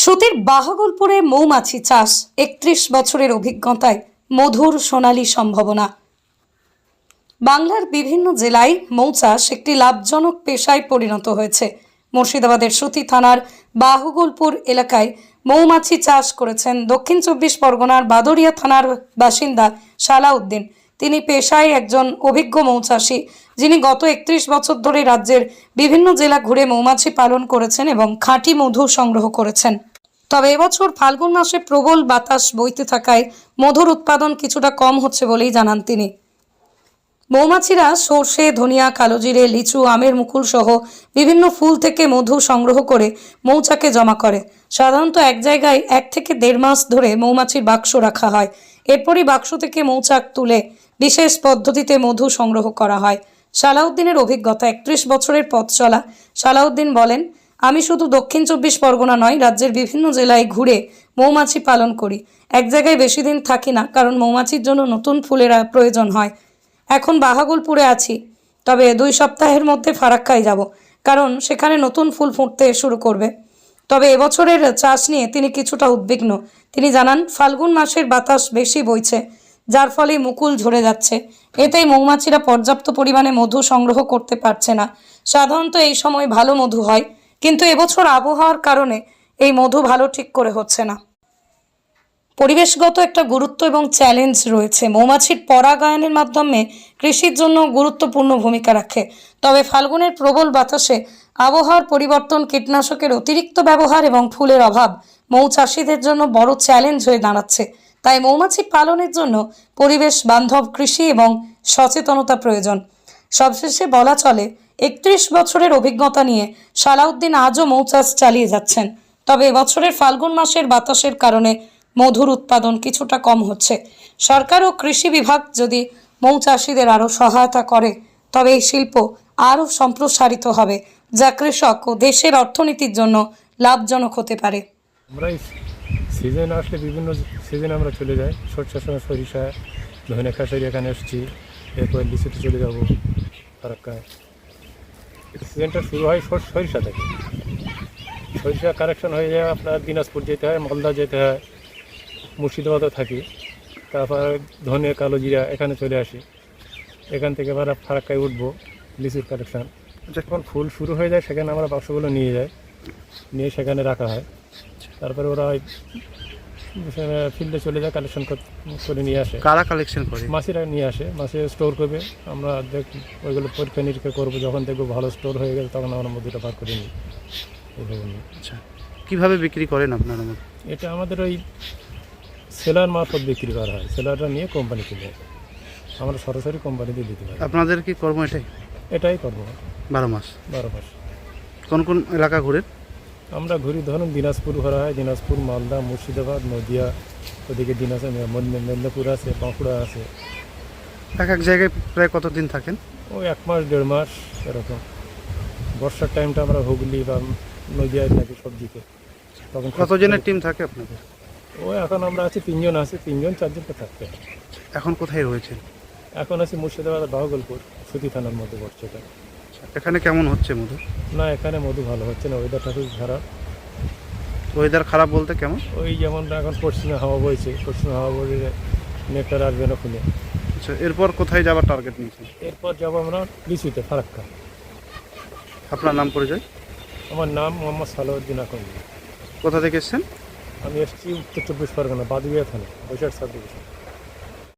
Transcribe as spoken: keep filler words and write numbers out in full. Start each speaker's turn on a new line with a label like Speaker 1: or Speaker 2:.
Speaker 1: সুতির বাহাগলপুরে মৌমাছি চাষ একত্রিশ বছরের অভিজ্ঞতায় মধুর সোনালী সম্ভাবনা। বাংলার বিভিন্ন জেলায় মৌ চাষ একটি লাভজনক পেশায় পরিণত হয়েছে। মুর্শিদাবাদের সুতি থানার বাহুগলপুর এলাকায় মৌমাছি চাষ করেছেন দক্ষিণ চব্বিশ পরগনার বাদরিয়া থানার বাসিন্দা সালাউদ্দিন। তিনি পেশায় একজন অভিজ্ঞ মৌচাষী, যিনি গত একত্রিশ বছর ধরে রাজ্যের বিভিন্ন জেলা ঘুরে মৌমাছি পালন করেছেন এবং খাঁটি মধু সংগ্রহ করেছেন। তবে এবছর ফাল্গুন মাসে প্রবল বাতাস বইতে থাকায় মধুর উৎপাদন কিছুটা কম হচ্ছে বলেই জানান তিনি। মৌমাছিরা সর্ষে, ধনিয়া, কালোজিরে, লিচু, আমের মুকুল সহ বিভিন্ন ফুল থেকে মধু সংগ্রহ করে মৌচাকে জমা করে। সাধারণত এক জায়গায় এক থেকে দেড় মাস ধরে মৌমাছির বাক্স রাখা হয়। এরপরই বাক্স থেকে মৌচাক তুলে বিশেষ পদ্ধতিতে মধু সংগ্রহ করা হয়। সালাউদ্দিনের অভিজ্ঞতা, একত্রিশ বছরের পথ চলা। সালাউদ্দিন বলেন, আমি শুধু দক্ষিণ চব্বিশ পরগনা নয়, রাজ্যের বিভিন্ন জেলায় ঘুরে মৌমাছি পালন করি। এক জায়গায় বেশি দিন থাকি না, কারণ মৌমাছির জন্য নতুন ফুলের প্রয়োজন হয়। এখন বাহাগলপুরে আছি, তবে দুই সপ্তাহের মধ্যে ফারাক্কায় যাব, কারণ সেখানে নতুন ফুল ফুটতে শুরু করবে। তবে এবছরের চাষ নিয়ে তিনি কিছুটা উদ্বিগ্ন। তিনি জানান, ফাল্গুন মাসের বাতাস বেশি বইছে, যার ফলে মুকুল ঝরে যাচ্ছে। এতেই মৌমাছিরা পর্যাপ্ত পরিমাণে মধু সংগ্রহ করতে পারছে না। সাধারণত এই সময় ভালো মধু হয়, কিন্তু এবছর আবহাওয়ার কারণে এই মধু ভালো ঠিক করে হচ্ছে না। পরিবেশগত একটা গুরুত্ব এবং চ্যালেঞ্জ রয়েছে। মৌমাছির পরাগায়নের মাধ্যমে কৃষির জন্য গুরুত্বপূর্ণ ভূমিকা রাখে। তবে ফাল্গুনের প্রবল বাতাসে আবহাওয়ার পরিবর্তন, কীটনাশকের অতিরিক্ত ব্যবহার এবং ফুলের অভাব মৌচাষীদের জন্য বড় চ্যালেঞ্জ হয়ে দাঁড়াচ্ছে। তাই মৌমাছি পালনের জন্য পরিবেশ বান্ধব কৃষি এবং সচেতনতা প্রয়োজন। সবশেষে বলা চলে, একত্রিশ বছরের অভিজ্ঞতা নিয়ে সালাউদ্দিন আজও মৌচাষ চালিয়ে যাচ্ছেন। তবে এবছরের ফাল্গুন মাসের বাতাসের কারণে মধুর উৎপাদন কিছুটা কম হচ্ছে। সরকার ও কৃষি বিভাগ যদি মৌচাষীদের আরও সহায়তা করে, তবে এই শিল্প আরও সম্প্রসারিত হবে, যা কৃষক ও দেশের অর্থনীতির জন্য লাভজনক হতে পারে।
Speaker 2: আমরা সিজন আসলে বিভিন্ন সিজনে আমরা চলে যাই। সরষার সময় সরিষা, ধনে খাসারি এখানে এসেছি, এরপর লিচুতে চলে যাবো ফারাক্কায়। সিজনটা শুরু হয় সরিষা থেকে। সরিষা কালেকশন হয়ে যায় আপনার দিনাজপুর যেতে হয়, মালদা যেতে হয়, মুর্শিদাবাদও থাকি। তারপর ধনে, কালো জিরা এখানে চলে আসি। এখান থেকে আবার ফারাক্কায় উঠবো, লিচুর কালেকশন। যখন ফুল শুরু হয়ে যায় সেখানে আমরা বাক্সগুলো নিয়ে যাই, নিয়ে সেখানে রাখা হয়। তারপরে ওরা ফিল্ডে চলে যায়, কালেকশন করে নিয়ে আসে।
Speaker 3: কারা কালেকশন করে?
Speaker 2: মাছিরা নিয়ে আসে, মাছি স্টোর করবে। আমরা দেখ ওইগুলো পরীক্ষা নিরীক্ষা করবো। যখন দেখবো ভালো স্টোর হয়ে গেছে, তখন আমরা মধুটা বার করে নিই। এইভাবে নিই।
Speaker 3: আচ্ছা, কীভাবে বিক্রি করেন আপনারা?
Speaker 2: এটা আমাদের ওই সেলার মারফত বিক্রি করা হয়। সেলাররা নিয়ে কোম্পানিতে দেয়, আমরা সরাসরি কোম্পানিতে দিতে পারি।
Speaker 3: আপনাদের কি কর্ম এটাই?
Speaker 2: এটাই করবো
Speaker 3: বারো মাস
Speaker 2: বারো মাস।
Speaker 3: কোন কোন এলাকা ঘুরেন?
Speaker 2: আমরা ঘুরি, ধরুন দিনাজপুর ঘোরা হয়, দিনাজপুর, মালদা, মুর্শিদাবাদ, নদিয়া, ওদিকে দিনাজপুর, মেদিনীপুর আছে, বাঁকুড়া আছে।
Speaker 3: এক এক জায়গায় প্রায় কতদিন থাকেন?
Speaker 2: ওই এক মাস দেড় মাস এরকম। বর্ষার টাইমটা আমরা হুগলি বা নদিয়ায় থাকি সবজিতে। তখন
Speaker 3: কতজনের টিম থাকে আপনাদের?
Speaker 2: ও এখন আমরা আছি তিনজন, আছি তিনজন চারজনকে থাকতে।
Speaker 3: এখন কোথায় রয়েছেন?
Speaker 2: এখন আছি মুর্শিদাবাদ বাহুগলপুর, সুতি থানার মধ্যে পড়ছে এটা।
Speaker 3: এখানে কেমন হচ্ছে মধু?
Speaker 2: না, এখানে মধু ভালো হচ্ছে না, ওয়েদারটা খুব খারাপ।
Speaker 3: ওয়েদার খারাপ বলতে কেমন?
Speaker 2: ওই যেমন এখন পশ্চিমে হাওয়া বইছে, পশ্চিমে হাওয়া বইলে নেকটার আসবে না ফুলে।
Speaker 3: আচ্ছা, এরপর কোথায় যাবার টার্গেট নিয়েছেন?
Speaker 2: এরপর যাবো আমরা লিচুতে, ফারাক্কা।
Speaker 3: আপনার নাম পরিচয়?
Speaker 2: আমার নাম মোহাম্মদ সালাউদ্দিন আকন্দ।
Speaker 3: কোথা থেকে এসছেন?
Speaker 2: আমি এসেছি উত্তর চব্বিশ পরগনা, বাদুড়িয়া থানা, বৈশাখ সাব ডিভিশন।